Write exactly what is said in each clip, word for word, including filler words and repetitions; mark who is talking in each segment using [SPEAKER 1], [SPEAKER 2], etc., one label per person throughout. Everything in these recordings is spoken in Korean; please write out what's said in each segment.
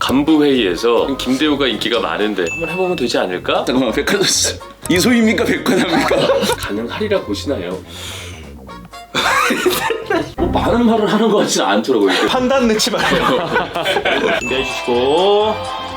[SPEAKER 1] 간부 회의에서 김대호가 인기가 많은데 한번 해보면 되지 않을까?
[SPEAKER 2] 잠깐만, 백화점 이소입니까 백화점입니까?
[SPEAKER 1] 가능하리라 보시나요? 뭐 많은 말을 하는 것 같지는 않더라고요. 이게.
[SPEAKER 3] 판단 넣지 말고 준비해 주시고.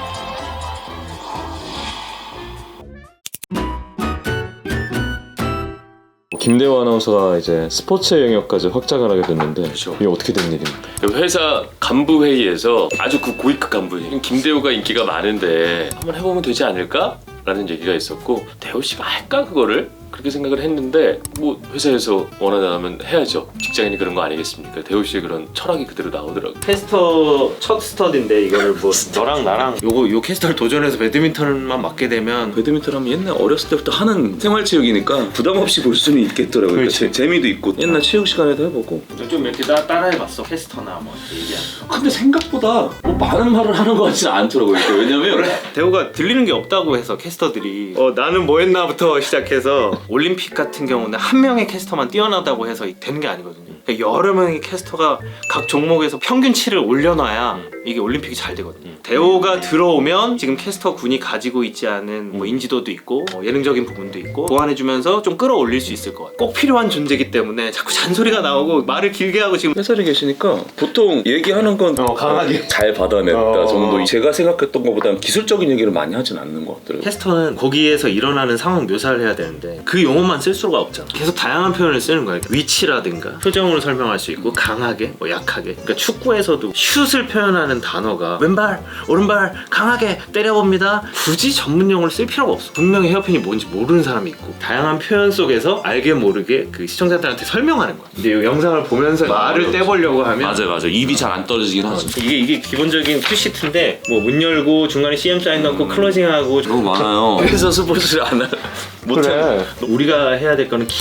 [SPEAKER 4] 김대호 아나운서가 이제 스포츠 영역까지 확장을 하게 됐는데
[SPEAKER 1] 그렇죠.
[SPEAKER 4] 이게 어떻게 된 일입니까?
[SPEAKER 1] 회사 간부 회의에서 아주 그 고위급 간부 회의, 김대호가 인기가 많은데 한번 해보면 되지 않을까? 라는 얘기가 있었고 대호 씨가 할까 그거를? 그렇게 생각을 했는데 뭐 회사에서 원하다면 해야죠. 직장인이 그런 거 아니겠습니까? 대호 씨의 그런 철학이 그대로 나오더라고요.
[SPEAKER 3] 캐스터 첫 스터디인데 이거를 뭐 너랑 나랑 요거 요 캐스터를 도전해서 배드민턴만 맞게 되면
[SPEAKER 2] 배드민턴 하면 옛날 어렸을 때부터 하는 생활체육이니까 부담 없이 볼 수는 있겠더라고요. 그러니까 재, 재미도 있고 옛날 체육 시간에도 해보고.
[SPEAKER 3] 좀 이렇게 따, 따라해봤어 캐스터나 뭐 얘기하는 거.
[SPEAKER 1] 근데 생각보다 뭐 많은 말을 하는 것 같지는 않더라고요. 이게. 왜냐면
[SPEAKER 3] 대호가 들리는 게 없다고 해서 캐스터들이 어 나는 뭐 했나부터 시작해서 올림픽 같은 경우는 한 명의 캐스터만 뛰어나다고 해서 되는 게 아니거든요. 그러니까 여러 명의 캐스터가 각 종목에서 평균치를 올려놔야 이게 올림픽이 잘 되거든요. 대호가 들어오면 지금 캐스터 군이 가지고 있지 않은 뭐 인지도도 있고 뭐 예능적인 부분도 있고 보완해주면서 좀 끌어올릴 수 있을 것 같아요. 꼭 필요한 존재이기 때문에 자꾸 잔소리가 나오고 말을 길게 하고 지금
[SPEAKER 2] 회사에 계시니까 보통 얘기하는 건
[SPEAKER 3] 어, 강하게.
[SPEAKER 2] 잘 받아냈다
[SPEAKER 3] 어.
[SPEAKER 2] 정도. 제가 생각했던 것보다는 기술적인 얘기를 많이 하진 않는 것 같더라고요.
[SPEAKER 3] 캐스터는 거기에서 일어나는 상황 묘사를 해야 되는데 그 용어만 쓸 수가 없잖아. 계속 다양한 표현을 쓰는 거야. 위치라든가 표정으로 설명할 수 있고 강하게, 뭐 약하게. 그러니까 축구에서도 슛을 표현하는 단어가 왼발, 오른발 강하게 때려봅니다. 굳이 전문 용어를 쓸 필요가 없어. 분명히 헤어핀이 뭔지 모르는 사람이 있고 다양한 표현 속에서 알게 모르게 그 시청자들한테 설명하는 거야. 근데 이 영상을 보면서 말을 떼보려고 하면
[SPEAKER 2] 맞아요, 맞아요. 입이 잘 안 떨어지긴 하죠.
[SPEAKER 3] 이게 이게 기본적인 큐시트인데 뭐 문 열고 중간에 씨엠 사인 넣고 클로징하고
[SPEAKER 2] 너무 많아요. 회사 스포츠를 안 하.
[SPEAKER 3] 그래. 우리가 해야 될 거는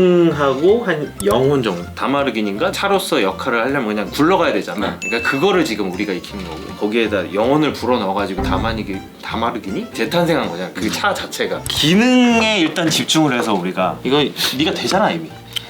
[SPEAKER 3] 기능하고 한 영혼 정도. 다마르긴인가 차로서 역할을 하려면 그냥 굴러가야 되잖아. 그러니까 그거를 지금 우리가 익히는 거고 거기에다 영혼을 불어 넣어가지고 다마르기 다마르긴이 재탄생한 거잖아. 그 차 자체가 기능에 일단 집중을 해서 우리가 이거 네가 되잖아 이미.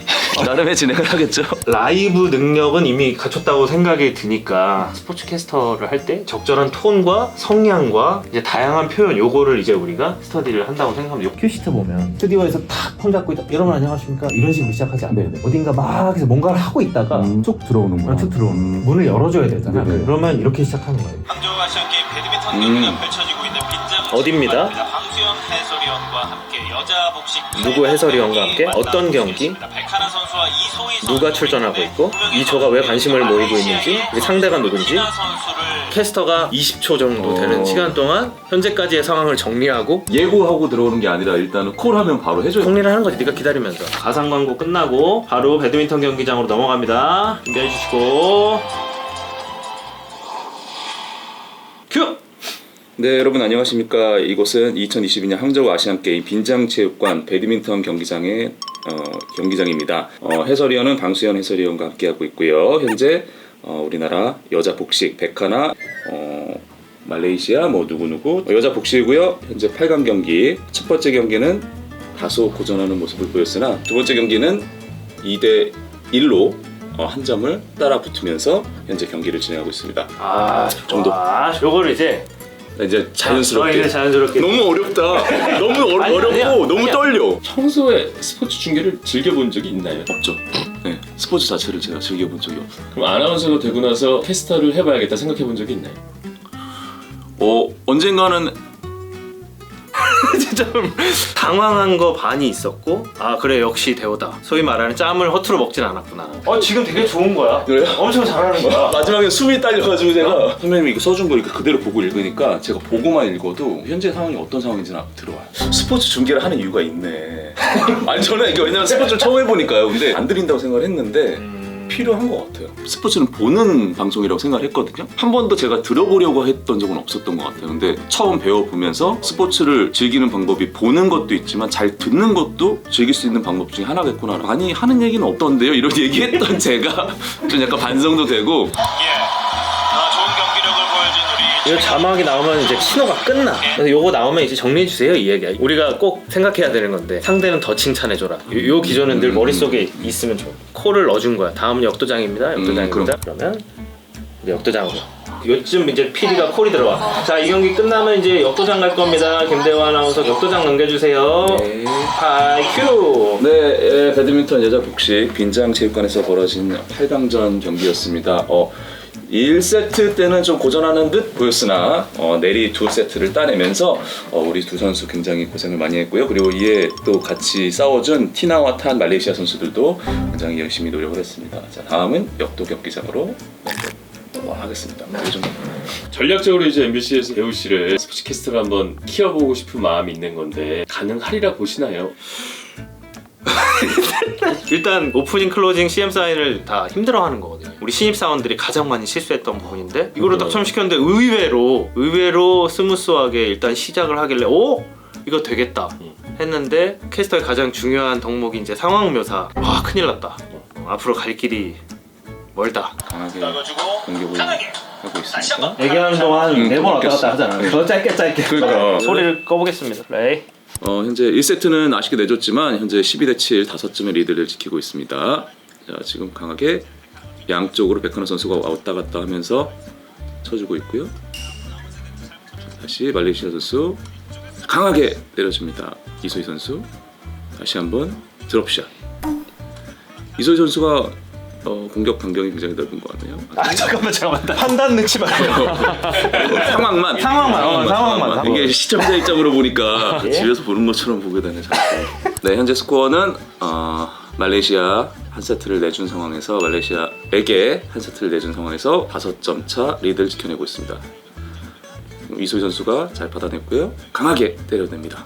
[SPEAKER 2] 나름의 진행을 하겠죠.
[SPEAKER 3] 라이브 능력은 이미 갖췄다고 생각이 드니까 스포츠 캐스터를 할 때 적절한 톤과 성량과 이제 다양한 표현 요거를 이제 우리가 스터디를 한다고 생각하면 큐시트 보면 스튜디오에서 탁 폰 잡고 있다 여러분 안녕하십니까 이런 식으로 시작하지 않아요. 어딘가 막 해서 뭔가를 하고 있다가
[SPEAKER 5] 음, 쭉 들어오는구나.
[SPEAKER 3] 툭 들어오는
[SPEAKER 5] 음.
[SPEAKER 3] 문을 열어줘야 되잖아.
[SPEAKER 5] 네네.
[SPEAKER 3] 그러면 이렇게 시작하는 거예요.
[SPEAKER 6] 杭州아시안게임 배드민턴 경기가 펼쳐지고 있는 빈장
[SPEAKER 3] 어디입니다?
[SPEAKER 6] 방수현 해설위원과 함께 여자 복식
[SPEAKER 3] 누구 해설위원과 함께 어떤 경기
[SPEAKER 6] 백하나 선수와 이소희
[SPEAKER 3] 누가 출전하고 있고 이 조가 왜 관심을 모이고 있는지 우리 상대가 누군지 캐스터가 이십 초 정도 되는
[SPEAKER 2] 어.
[SPEAKER 3] 시간 동안 현재까지의 상황을 정리하고
[SPEAKER 2] 예고하고 들어오는 게 아니라 일단은 콜하면 바로 해줘요.
[SPEAKER 3] 정리를 하는 거지. 네가 기다리면서 가상 광고 끝나고 바로 배드민턴 경기장으로 넘어갑니다. 준비해 주시고 큐!
[SPEAKER 2] 네, 여러분 안녕하십니까. 이곳은 이천이십이 년 항저우 아시안게임 빈장체육관 배드민턴 경기장의 어, 경기장입니다. 어, 해설위원은 방수현 해설위원과 함께하고 있고요. 현재 어, 우리나라 여자 복식 백하나 어, 말레이시아 뭐 누구누구 여자 복식이고요. 현재 팔 강 경기 첫 번째 경기는 다소 고전하는 모습을 보였으나 두 번째 경기는 이 대 일로 어, 한 점을 따라 붙으면서 현재 경기를 진행하고 있습니다.
[SPEAKER 3] 아
[SPEAKER 2] 정도.
[SPEAKER 3] 아 요거를 이제
[SPEAKER 2] 이제 자연스럽게.
[SPEAKER 3] 어, 이제 자연스럽게
[SPEAKER 2] 너무 어렵다. 너무 어려,
[SPEAKER 3] 아니,
[SPEAKER 2] 어렵고
[SPEAKER 3] 아니야.
[SPEAKER 2] 너무
[SPEAKER 3] 아니야.
[SPEAKER 2] 떨려.
[SPEAKER 1] 평소에 스포츠 중계를 즐겨본 적이 있나요?
[SPEAKER 2] 없죠. 네, 스포츠 자체를 제가 즐겨본 적이 없어요.
[SPEAKER 1] 그럼 아나운서가 되고 나서 캐스터를 해봐야겠다 생각해본 적이 있나요?
[SPEAKER 2] 어, 언젠가는
[SPEAKER 3] 진짜 좀 당황한 거 반이 있었고 아 그래 역시 대호다. 소위 말하는 짬을 허투루 먹진 않았구나. 어 지금 되게 좋은 거야.
[SPEAKER 2] 그래요?
[SPEAKER 3] 엄청 잘하는 거야.
[SPEAKER 2] 마지막에 숨이 딸려가지고 제가 선배님이 이거 써준 거 이렇게 그대로 보고 읽으니까 제가 보고만 읽어도 현재 상황이 어떤 상황인지는 들어와요. 스포츠 중계를 하는 이유가 있네. 아니 저는 이게 왜냐면 스포츠를 처음 해보니까요. 근데 안 들린다고 생각을 했는데 필요한 것 같아요. 스포츠는 보는 방송이라고 생각을 했거든요. 한 번도 제가 들어보려고 했던 적은 없었던 것 같아요. 근데 처음 배워보면서 스포츠를 즐기는 방법이 보는 것도 있지만 잘 듣는 것도 즐길 수 있는 방법 중에 하나겠구나. 많이 하는 얘기는 없던데요? 이런 얘기했던 제가 좀 약간 반성도 되고.
[SPEAKER 6] 예. 아, 좋은 경기력을 보여준 우리
[SPEAKER 3] 이거 자막이 나오면 이제 신호가 끝나. 그래서 요거 나오면 이제 정리해 주세요 이 얘기야. 우리가 꼭 생각해야 되는 건데 상대는 더 칭찬해줘라. 요, 요 기조는 늘 머릿속에 있으면 좋아. 콜을 넣어준 거야. 다음은 역도장입니다. 역도장입니다.
[SPEAKER 2] 음, 그럼.
[SPEAKER 3] 그러면 역도장으로. 요즘 이제 피디가 콜이 들어와. 자, 이 경기 끝나면 이제 역도장 갈 겁니다. 김대호 아나운서 역도장 넘겨주세요.
[SPEAKER 2] 네.
[SPEAKER 3] 하이 큐.
[SPEAKER 2] 네, 예, 배드민턴 여자 복식 빈장체육관에서 벌어진 팔 강전 경기였습니다. 어, 일 세트 때는 좀 고전하는 듯 보였으나 어, 내리 두 세트를 따내면서 어, 우리 두 선수 굉장히 고생을 많이 했고요. 그리고 이에 또 같이 싸워준 티나와 탄 말레이시아 선수들도 굉장히 열심히 노력을 했습니다. 자, 다음은 역도 경기장으로 하겠습니다. 이 정도.
[SPEAKER 1] 전략적으로 이제 엠비씨에서 배우 씨를 스포츠 캐스터로 한번 키워보고 싶은 마음이 있는 건데 가능하리라 보시나요?
[SPEAKER 3] 일단 오프닝 클로징 씨엠 사인을 다 힘들어하는 거거든요. 우리 신입사원들이 가장 많이 실수했던 부분인데 이거를 딱 처음 시켰는데 의외로 의외로 스무스하게 일단 시작을 하길래 오? 이거 되겠다 했는데 캐스터의 가장 중요한 덕목이 이제 상황 묘사. 와 큰일 났다. 어, 앞으로 갈 길이 멀다.
[SPEAKER 2] 강하게
[SPEAKER 6] 떨궈주고
[SPEAKER 2] 공격을
[SPEAKER 6] 강하게
[SPEAKER 2] 하고
[SPEAKER 6] 다시
[SPEAKER 2] 있습니다.
[SPEAKER 6] 한번
[SPEAKER 3] 얘기하는 동안
[SPEAKER 2] 응,
[SPEAKER 3] 네 번 왔다
[SPEAKER 2] 끊겼어.
[SPEAKER 3] 갔다 하잖아. 더 짧게 짧게.
[SPEAKER 2] 그러니까.
[SPEAKER 3] 소리를 꺼보겠습니다. 플레이.
[SPEAKER 2] 어, 현재 일 세트는 아쉽게 내줬지만 현재 십이 대 칠 다섯 점의 리드를 지키고 있습니다. 자, 지금 강하게 양쪽으로 백하나 선수가 왔다 갔다 하면서 쳐주고 있고요. 자, 다시 말레이시아 선수 강하게 내려줍니다. 이소희 선수 다시 한번 드롭샷. 이소희 선수가 어, 공격 반경이 굉장히 넓은 것 같네요.
[SPEAKER 3] 아 잠깐만 잠깐만. 판단 넣지 말고.
[SPEAKER 2] 상황만
[SPEAKER 3] 상황만, 어, 상황만, 상황만.
[SPEAKER 2] 이게 시청자 입장으로 보니까
[SPEAKER 3] 예?
[SPEAKER 2] 집에서 보는 것처럼 보게 되네 자꾸. 네, 현재 스코어는 어, 말레이시아 한 세트를 내준 상황에서 말레이시아에게 한 세트를 내준 상황에서 다섯 점 차 리드를 지켜내고 있습니다. 이소희 선수가 잘 받아냈고요. 강하게 때려냅니다.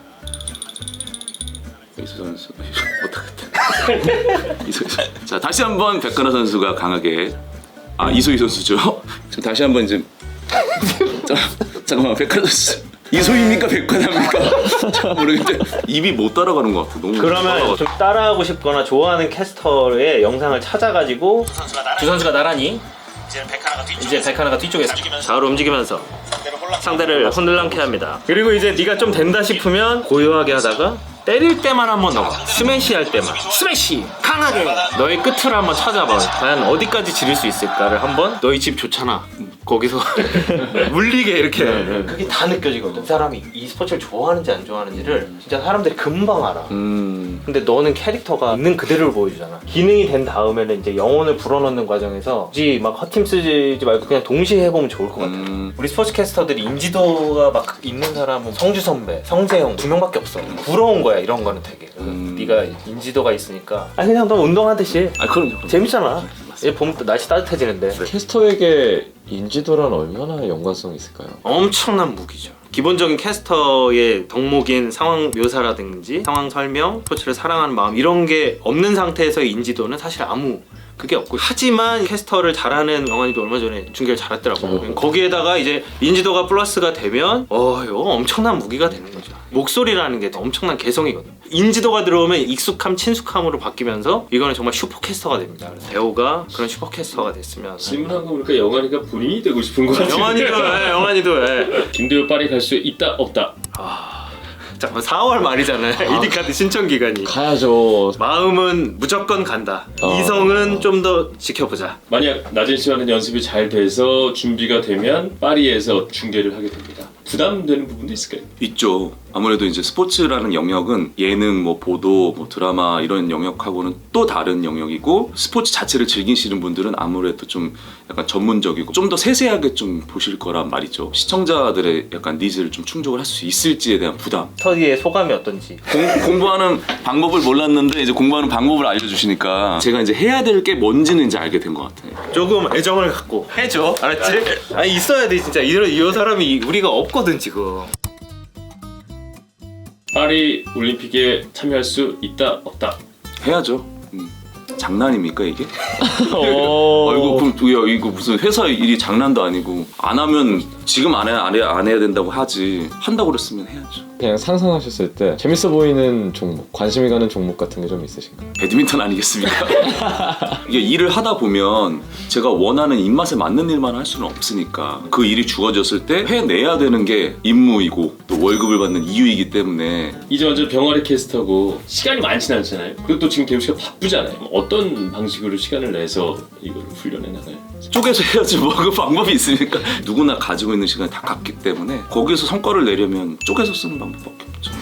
[SPEAKER 2] 이소희 선수 못하겠다. 이소희 선수. 자, 다시 한번 백가나 선수가 강하게 아 이소희 선수죠. 지금 다시 한번 이제 자, 잠깐만 백가나 선수 이소희입니까 백가나입니까? 잘 모르겠는데 입이 못 따라가는 것 같아. 너무
[SPEAKER 3] 그러면
[SPEAKER 2] 따라가지고.
[SPEAKER 3] 좀 따라하고 싶거나 좋아하는 캐스터의 영상을 찾아가지고
[SPEAKER 6] 선수가 나란히
[SPEAKER 3] 두 선수가 나란히
[SPEAKER 6] 이제 백하나가 뒤쪽
[SPEAKER 3] 이제 백하나가 뒤쪽에서
[SPEAKER 6] 움직이면서
[SPEAKER 3] 좌우로 움직이면서
[SPEAKER 6] 상대를 혼란
[SPEAKER 3] 상대를 혼들랑케 합니다. 그리고 이제 네가 좀 된다 싶으면 고요하게 하다가 때릴 때만 한번 넣어. 스매시 할 때만 스매시 강하게 너의 끝을 한번 찾아봐. 과연 어디까지 지를 수 있을까를 한번. 너희 집 좋잖아. 거기서 물리게 이렇게 그게 다 느껴지거든. 그 사람이 이 스포츠를 좋아하는지 안 좋아하는지를 진짜 사람들이 금방 알아.
[SPEAKER 2] 음.
[SPEAKER 3] 근데 너는 캐릭터가 있는 그대로를 보여주잖아. 기능이 된 다음에는 이제 영혼을 불어넣는 과정에서 굳이 막 헛팀 쓰지 말고 그냥 동시에 해보면 좋을 것 같아.
[SPEAKER 2] 음.
[SPEAKER 3] 우리 스포츠 캐스터들이 인지도가 막 있는 사람은 성주 선배, 성재형 두 명밖에 없어. 부러운 거야 이런 거는 되게.
[SPEAKER 2] 음.
[SPEAKER 3] 네가 인지도가 있으니까. 아 그냥 너 운동하듯이
[SPEAKER 2] 아 그럼요. 그럼요.
[SPEAKER 3] 재밌잖아. 이제 봄 날씨 따뜻해지는데.
[SPEAKER 4] 캐스터에게 인지도란 얼마나 연관성이 있을까요?
[SPEAKER 3] 엄청난 무기죠. 기본적인 캐스터의 덕목인 상황 묘사라든지 상황 설명, 스포츠를 사랑하는 마음 이런 게 없는 상태에서의 인지도는 사실 아무 그게 없고, 하지만 캐스터를 잘하는 영환이도 얼마 전에 중계를 잘했더라고.
[SPEAKER 4] 어.
[SPEAKER 3] 거기에다가 이제 인지도가 플러스가 되면 어 이거 엄청난 무기가 되는 거죠. 목소리라는 게 엄청난 개성이거든. 인지도가 들어오면 익숙함, 친숙함으로 바뀌면서 이거는 정말 슈퍼캐스터가 됩니다. 그래서 대호가 그런 슈퍼캐스터가 됐으면.
[SPEAKER 1] 질문한 거 보니까 영환이가 본인이 되고 싶은 거 같아요.
[SPEAKER 3] 영환이도 예, 영환이도 예.
[SPEAKER 1] 김대호 파리 갈 수 있다 없다.
[SPEAKER 3] 잠깐 사월 말이잖아요. 이디카드 신청 기간이.
[SPEAKER 4] 가야죠.
[SPEAKER 3] 마음은 무조건 간다.
[SPEAKER 4] 어.
[SPEAKER 3] 이성은 좀 더 지켜보자.
[SPEAKER 1] 만약 낮은 시간에 연습이 잘 돼서 준비가 되면 파리에서 중계를 하게 됩니다. 부담되는 부분도 있을까요?
[SPEAKER 2] 있죠. 아무래도 이제 스포츠라는 영역은 예능, 뭐 보도, 뭐 드라마 이런 영역하고는 또 다른 영역이고, 스포츠 자체를 즐기시는 분들은 아무래도 좀 약간 전문적이고 좀 더 세세하게 좀 보실 거란 말이죠. 시청자들의 약간 니즈를 좀 충족을 할 수 있을지에 대한 부담.
[SPEAKER 3] 스터디의 소감이 어떤지.
[SPEAKER 2] 공, 공부하는 방법을 몰랐는데 이제 공부하는 방법을 알려주시니까 제가 이제 해야 될 게 뭔지는 이제 알게 된 것 같아요.
[SPEAKER 3] 조금 애정을 갖고 해줘. 알았지? 아니 있어야 돼 진짜. 이런 이 사람이 우리가 없거든 지금.
[SPEAKER 1] 파리 올림픽에 참여할 수 있다 없다.
[SPEAKER 2] 해야죠. 음. 장난입니까 이게?
[SPEAKER 4] 어...
[SPEAKER 2] 어, 이거 그럼 야, 이거 무슨 회사 일이 장난도 아니고 안 하면 지금 안 해야 안 해야 안 해야 된다고 하지. 한다고 그랬으면 해야죠.
[SPEAKER 4] 그냥 상상하셨을 때 재밌어 보이는 종목, 관심이 가는 종목 같은 게 좀 있으신가요?
[SPEAKER 2] 배드민턴 아니겠습니까? 이게 일을 하다 보면 제가 원하는 입맛에 맞는 일만 할 수는 없으니까 그 일이 주어졌을 때 해내야 되는 게 임무이고 또 월급을 받는 이유이기 때문에
[SPEAKER 1] 이제 완전 병아리 캐스터고 시간이 많진 않잖아요. 그리고 또 지금 대우 씨가 바쁘잖아요. 어떤 방식으로 시간을 내서 이걸 훈련해 나가요?
[SPEAKER 2] 쪼개서 해야지 뭐 그 방법이 있습니까? 누구나 가지고 있는 시간이 다 같기 때문에 거기에서 성과를 내려면 쪼개서 쓰는 방법밖에 없죠.